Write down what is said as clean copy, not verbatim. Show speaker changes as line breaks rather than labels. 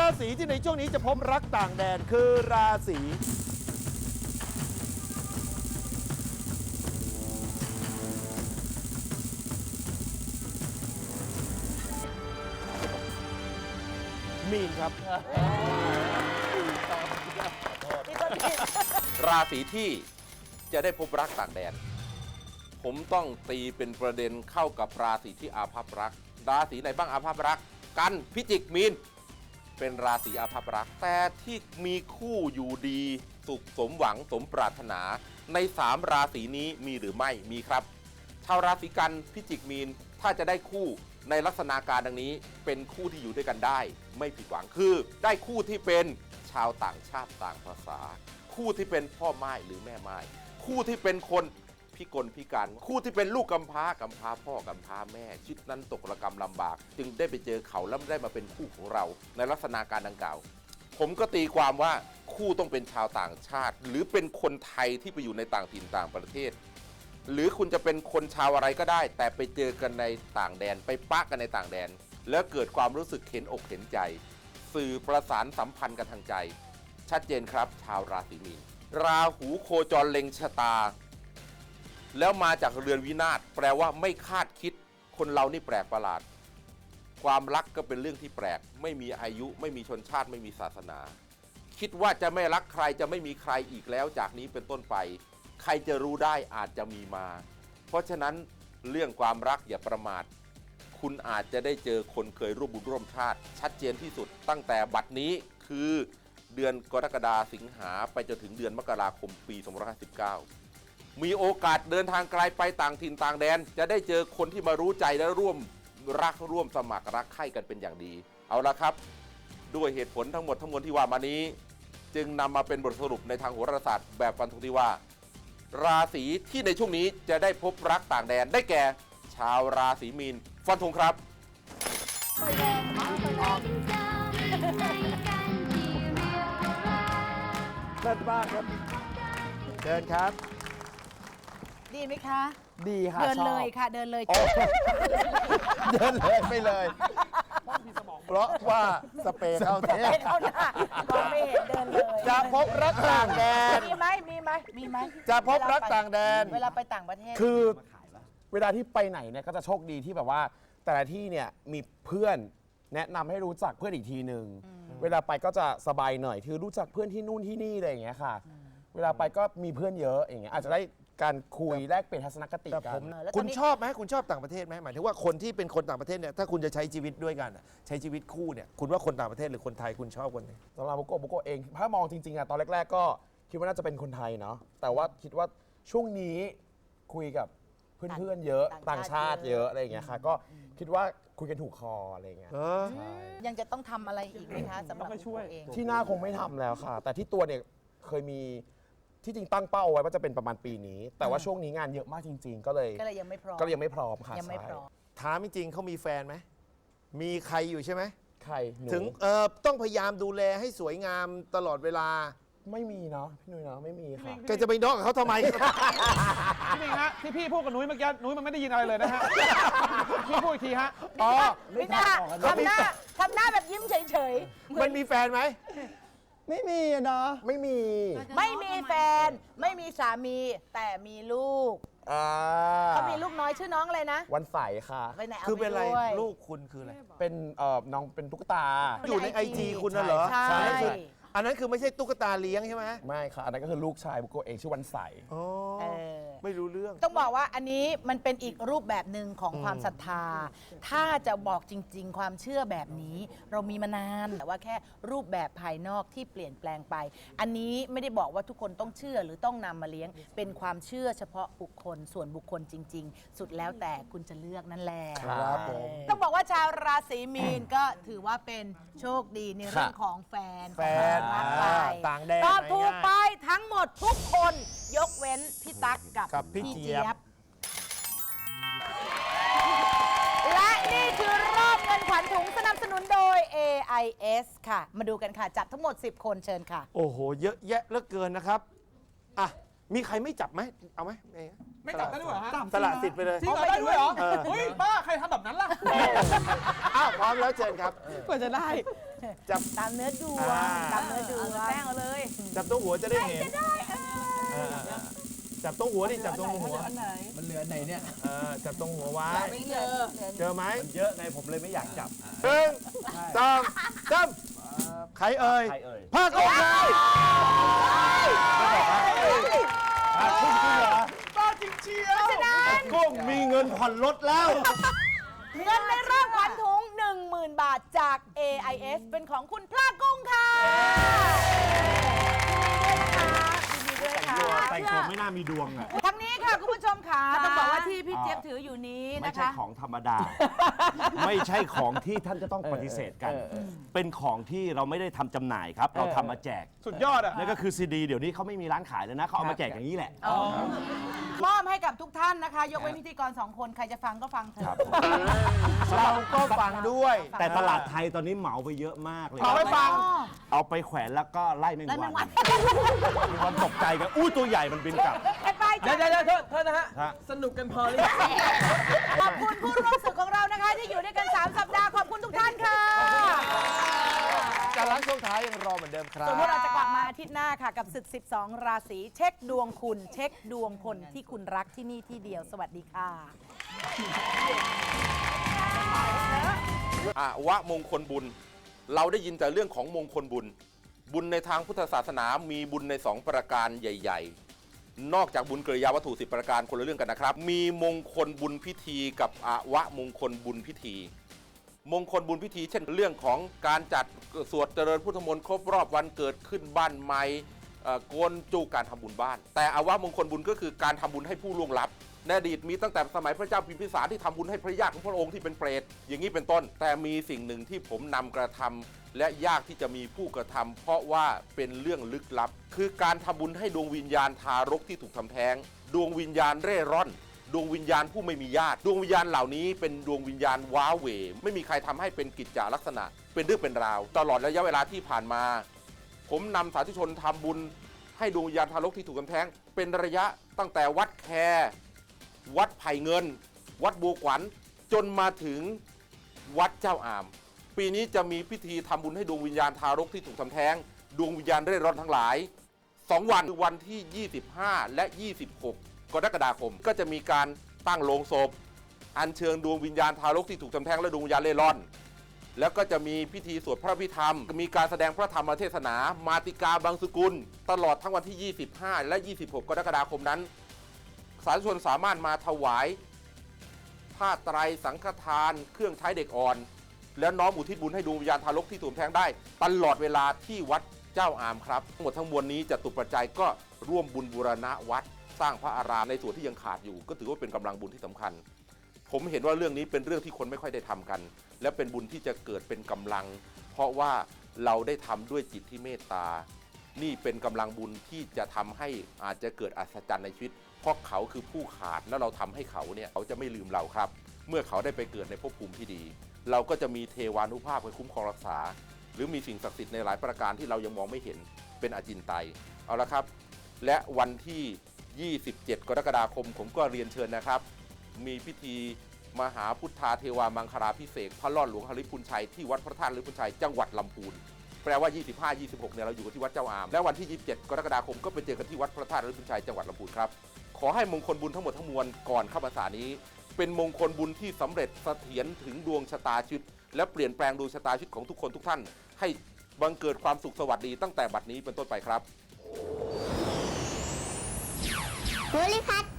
ราศีที่ในช่วงนี้จะพบรักต่างแดนคือราศีมีนครับ
ราศีที่จะได้พบรักต่างแดนผมต้องตีเป็นประเด็นเข้ากับราศีที่อาภัพรักราศีไหนบ้างอาภัพรักกันพิจิกมีนเป็นราศีอาภัพรักแต่ที่มีคู่อยู่ดีสุขสมหวังสมปรารถนาใน3ราศีนี้มีหรือไม่มีครับชาวราศีกันพิจิกมีนถ้าจะได้คู่ในลักษณะการดังนี้เป็นคู่ที่อยู่ด้วยกันได้ไม่ผิดหวังคือได้คู่ที่เป็นชาวต่างชาติต่างภาษาคู่ที่เป็นพ่อไม้หรือแม่ไม้คู่ที่เป็นคนพิกลพิการคู่ที่เป็นลูกกำพร้ากำพร้าพ่อกำพร้าแม่ชีวิตนั้นตกระกำลำบากจึงได้ไปเจอเขาแล้วได้มาเป็นคู่ของเราในลักษณะการดังกล่าวผมก็ตีความว่าคู่ต้องเป็นชาวต่างชาติหรือเป็นคนไทยที่ไปอยู่ในต่างถิ่นต่างประเทศหรือคุณจะเป็นคนชาวอะไรก็ได้แต่ไปเจอกันในต่างแดนไปปะกันในต่างแดนแล้วเกิดความรู้สึกเห็นอกเห็นใจสื่อประสานสัมพันธ์กันทางใจชัดเจนครับชาวราศีมีนราหูโคจรเล็งชะตาแล้วมาจากเรือนวินาศแปลว่าไม่คาดคิดคนเรานี่แปลกประหลาดความรักก็เป็นเรื่องที่แปลกไม่มีอายุไม่มีชนชาติไม่มีศาสนาคิดว่าจะไม่รักใครจะไม่มีใครอีกแล้วจากนี้เป็นต้นไปใครจะรู้ได้อาจจะมีมาเพราะฉะนั้นเรื่องความรักอย่าประมาทคุณอาจจะได้เจอคนเคยร่วมบุญร่วมชาติชัดเจนที่สุดตั้งแต่บัดนี้คือเดือนกรกฎาคมสิงหาไปจนถึงเดือนมกราคมปี2559มีโอกาสเดินทางไกลไปต่างถิ่นต่างแดนจะได้เจอคนที่มารู้ใจและร่วมรักร่วมสมัครรักใคร่กันเป็นอย่างดีเอาละครับด้วยเหตุผลทั้งหมดทั้งมวลที่ว่ามานี้จึงนำมาเป็นบทสรุปในทางโหราศาสตร์แบบฟันธงที่ว่าราศีที่ในช่วงนี้จะได้พบรักต่างแดนได้แก่ชาวราศีมีนฟันธงครับ
เลิศมากครับเดินครับ
ดีไหมคะ
ดีค่ะ
เดิน
ชอบ
เลยค่ะ เดินเลย
เดินเลยไปเลย เพราะว่าสเปรย์เข้าเท
ไปเข้าหน้ามองไม่เห็นเดินเลย
จะพบรักต่างแดน
มีไหมมีไหมมีไหม
จะพบรักต่างแดน
เวลาไปต่างประเทศ
คือเวลาที่ไปไหนเนี่ยก็จะโชคดีที่แบบว่าแต่ละที่เนี่ยมีเพื่อนแนะนำให้รู้จักเพื่อนอีกทีหนึ่งเวลาไปก็จะสบายหน่อยคือรู้จักเพื่อนที่นู่นที่นี่อะไรอย่างเงี้ยค่ะเวลาไปก็มีเพื่อนเยอะอย่างเงี้ยอาจจะได้การคุยแลกเปลี่ยนทัศนคติกัน
แล้วต
คุ
อน
ณ
นี้
ชอบไหมคุณชอบต่างประเทศไหมหมายถึงว่าคนที่เป็นคนต่างประเทศเนี่ยถ้าคุณจะใช้ชีวิตด้วยกันใช้ชีวิตคู่เนี่ยคุณว่าคนต่างประเทศหรือคนไทยคุณชอบคนไหน
สำหรับบุโกะเองถ้ามองจริงๆอะตอนแรกๆก็คิดว่าน่าจะเป็นคนไทยเนาะแต่ว่าคิดว่าช่วงนี้คุยกับเพื่อนๆเยอะต่างชาติเยอะอะไรอย่างเงี้ยค่ะก็คิดว่าคุยกันถูกคออะไรอย่างเงี้ย
ยังจะต้องทำอะไรอีกไหมคะสำหรับตัวเอง
ที่หน้าคงไม่ทำแล้วค่ะ แต่ที่ตัวเนี่ยเคยมีที่จริงตั้งเป้าไว้ว่าจะเป็นประมาณปีนี้ แต่ว่าช่วงนี้งานเยอะมากจริง ๆ ก็เลย
ยังไม่พร้อม
ยังไม่พร้อมค่ะ
ยังไม่พร้อม
ถามจริงๆเขามีแฟนไหมมีใครอยู่ใช่ไหม
ใครหนู
ถึงต้องพยายามดูแลให้สวยงามตลอดเวลา
ไม่มีเนาะพี่นุ้ยเนาะไม่มีค่ะ
แกจะไปนอกกับเขาทำไม
พี่มิงฮะที่พี่พูดกับนุ้ยเมื่อกี้นุ้ยมันไม่ได้ยินอะไรเลยนะฮะ พี่พูดอีกทีฮะ
อ๋อ
ไม่น่าทำหน้าแบบยิ้มเฉยๆ
มันมีแฟนไหม
ไม่มีอะเนาะไม่มี
ไม่มีแฟนไม่มีสามีแต่มีลูก เขามีลูกน้อยชื่อน้องอะไรนะ
วันใสค่ะ
ไปไหนเอา
คือเป็นอะไร
ไปด้วย
ลูกคุณคืออะไร
เป็นน้องเป็นตุ๊กตา
อยู่ในไอจีคุณน่ะเหรอ
ใช่
อันนั้นคือไม่ใช่ตุ๊กตาเลี้ยงใช่ไหม
ไม่ค่ะ อันนั้นก็คือลูกชายบุโกะเองชื่อวันใส
อ๋อ
เออ
ไม่รู้เรื่อง
ต้องบอกว่าอันนี้มันเป็นอีกรูปแบบหนึ่งของความศรัทธา ถ้าจะบอกจริง ๆ ความเชื่อแบบนี้เรามีมานานแต่ว่าแค่รูปแบบภายนอกที่เปลี่ยนแปลงไป อันนี้ไม่ได้บอกว่าทุกคนต้องเชื่อหรือต้องนำมาเลี้ยง เป็นความเชื่อเฉพาะบุคคลส่วนบุคคลจริง ๆ สุดแล้วแต่คุณจะเลือกนั่นแหละ
ครับผม
ต้องบอกว่าชาวราศีมีนก็ถือว่าเป็นโชคดีในเรื่องของแฟน
แฟน
ของความรักไป
ต่างแดน
ตอบถูกไป
ง่าย
ทั้งหมดทุกคน ยกเว้นพี่ตั๊กกับ
กับพี่เจี๊ยบ
และนี่คือรอบเงินขวัญถุงสนับสนุนโดย AIS ค่ะ มาดูกันค่ะจับทั้งหมด 10 คนเชิญค่ะ
โอ้โห เยอะแยะเหลือเกินนะครับ อ่ะ มีใครไม่จับไหม เอาไหม
ไม่จับได้ด้วยเหรอฮะ
สละสิทธิ์ไปเลย
จริงเหรอได้ด้วยเหรอ
เออ
เฮ้ยบ้าใครทำแบบนั้นล่ะ
อ้าวพร้อมแล้วเชิญครับ
กว่าจะได้
จับ
ตามเนื้อดวง
อ่า
ตามเนื้อดวง
แป้งเอาเลย
จับตรงหัวจะได้เห็นจับตรงหัวดิจับตรงหัว
มันเหลือไหนเนี่ย
จับตรงหัวไว้
ไม่เจอ
เจอไหม
เยอะไงผมเลยไม่อยากจับ
หนึ่งสองสามใครเอ่ย
ใครเอ่ย
ภาคกุ้งครับ
ภาคกุ้งเหรอ
กุ้งมีเงินผ่อนรถแล้ว
เงินในรอบขวัญถุง 10,000 บาทจาก AIS เป็นของคุณพลากุ้งค่ะยินดีด้วยนะคะ
แต่งตัวไม่น่ามีดวงอ่ะ
ทั้งนี้ค่ะคุณผู้ชมค่ะต้องบอกว่าที่พี่เจี๊ยบถืออยู่นี้
ไม่
นะ
ใช่
คะ
ของธรรมดา ไม่ใช่ของที่ท่านจะต้องปฏิเสธกัน เป็นของที่เราไม่ได้ทำจำหน่ายครับ เราทำมาแจก
สุดยอดอ่ะ
นั่นก็คือซีดีเดี๋ยวนี้เขาไม่มีร้านขายแล้วนะ เขาเอามาแจกอย่างนี้แหละ
มอบให้กับทุกท่านนะคะ ยกเว้นพิธีกร 2 คน ใครจะฟังก็ฟังเถ
ครั
อะ
บ
เราก็ฟังด้วย
แต่ตลาดไทยตอนนี้เหมาไปเยอะมากเลย
ขอไปฟัง
เอาไปแขวนแล้วก็ไล่แมง
ไล่แม
วัน
งวัน
มีความตกใจกันอู้ตัวใหญ่มันบินกลับ
ไปจ้ะ
เดี๋ยวโทษนะฮะ
ฮะ
สนุกกันพอหรือยัง
ขอบคุณผู้ร่วมศึกของเรานะคะ ที่อยู่ด้วยกัน 3 สัปดาห์ ขอบคุณทุกท่านค่ะ
การล้างช่วงท้ายยังรอเหมือนเดิมครับ
ส่วนพวกเราจะกลับมาอาทิตย์หน้าค่ะ กับศึก 12 ราศีเช็คดวงคุณ เช็คดวงคนที่คุณรักที่นี่ที่เดียว สวัสดีค่ะ
อาวะมงคลบุญ เราได้ยินแต่เรื่องของมงคลบุญ บุญในทางพุทธศาสนามีบุญใน2ประการใหญ่ๆ นอกจากบุญกริยาวัตถุ10ประการคนละเรื่องกันนะครับ มีมงคลบุญพิธีกับอาวะมงคลบุญพิธี มงคลบุญพิธีเช่นเรื่องของการจัดสวดเจริญพุทธมนต์ครบรอบวันเกิดขึ้นบ้านใหม่โกนจูการทำบุญบ้าน แต่อาวะมงคลบุญก็คือการทำบุญให้ผู้ล่วงลับในอดีตมีตั้งแต่สมัยพระเจ้าพิมพิสารที่ทำบุญให้พระญาติของพระองค์ที่เป็นเปรตอย่างนี้เป็นต้น แต่มีสิ่งหนึ่งที่ผมนำกระทำและยากที่จะมีผู้กระทำเพราะว่าเป็นเรื่องลึกลับ คือการทำบุญให้ดวงวิญญาณทารกที่ถูกทำแท้งดวงวิญญาณเร่ร่อนดวงวิญญาณผู้ไม่มีญาติดวงวิญญาณเหล่านี้เป็นดวงวิญญาณว้าเหวไม่มีใครทำให้เป็นกิจจาลักษณะเป็นเรื่องเป็นราวตลอดระยะเวลาที่ผ่านมา ผมนำสาธุชนทำบุญให้ดวงวิญญาณทารกที่ถูกทำแท้งเป็นระยะตั้งแต่วัดแควัดไผ่เงิน วัดบัวขวัญจนมาถึงวัดเจ้าอาม ปีนี้จะมีพิธีทำบุญให้ดวงวิญญาณทารกที่ถูกทำแท้งดวงวิญญาณเร่ร่อนทั้งหลาย2 วันคือวันที่ 25 และ 26 กรกฎาคมก็จะมีการตั้งโลงศพอัญเชิญดวงวิญญาณทารกที่ถูกทำแท้งและดวงวิญญาณเร่ร่อน แล้วก็จะมีพิธีสวดพระพิธรรมมีการแสดงพระธรรมเทศนา มาติกาบางสกุล ตลอดทั้งวันที่ 25 และ 26 กรกฎาคมนั้น สาธุชนสามารถมาถวายผ้าไตรสังฆทาน เครื่องใช้เด็กอ่อน แล้วน้อมอุทิศบุญให้ดวงวิญญาณทารกที่ถูกแท้งได้ตลอดเวลาที่วัดเจ้าอามครับทั้งหมดทั้งมวลนี้จะตุปัจจัยก็ร่วมบุญบูรณะวัดสร้างพระอารามในส่วนที่ยังขาดอยู่ ก็ถือว่าเป็นกำลังบุญที่สำคัญ ผมเห็นว่าเรื่องนี้เป็นเรื่องที่คนไม่ค่อยได้ทำกัน และเป็นบุญที่จะเกิดเป็นกำลัง เพราะว่าเราได้ทำด้วยจิตที่เมตตา นี่เป็นกำลังบุญที่จะทำให้อาจจะเกิดอัศจรรย์ในชีวิต เพราะเขาคือผู้ขาดแล้วเราทำให้เขาเนี่ยเขาจะไม่ลืมเราครับ เมื่อเขาได้ไปเกิดในภพภูมิที่ดี เราก็จะมีเทวานุภาพคอยคุ้มครองรักษา หรือมีสิ่งศักดิ์สิทธิ์ในหลายประการที่เรายังมองไม่เห็นเป็นอจินไตยเอาละครับ และวันที่ 27 กรกฎาคมผมก็เรียนเชิญนะครับ มีพิธีมหาพุทธาเทวามังคลาภิเษกพระรอดหลวงหฤพุนชัยที่วัดพระธาตุหฤพุนชัยจังหวัดลำพูนแปลว่า 25-26 เนี่ยเราอยู่กันที่วัดเจ้าอามและวันที่ 27 กรกฎาคมก็ไปเจอกันที่วัดพระธาตุหฤพุนชัยจังหวัดลำพูนครับขอให้มงคลบุญทั้งหมดทั้งมวลก่อนเข้าพรรษานี้เป็นมงคลบุญที่สำเร็จเสถียรถึงดวงชะตาชีวิตและเปลี่ยนแปลงดวงชะตาชีวิตของทุกคนทุกท่านให้บังเกิดความสุขสวัสดีตั้งแต่บัดนี้เป็นต้นไปครับ
ภูริพัฒน์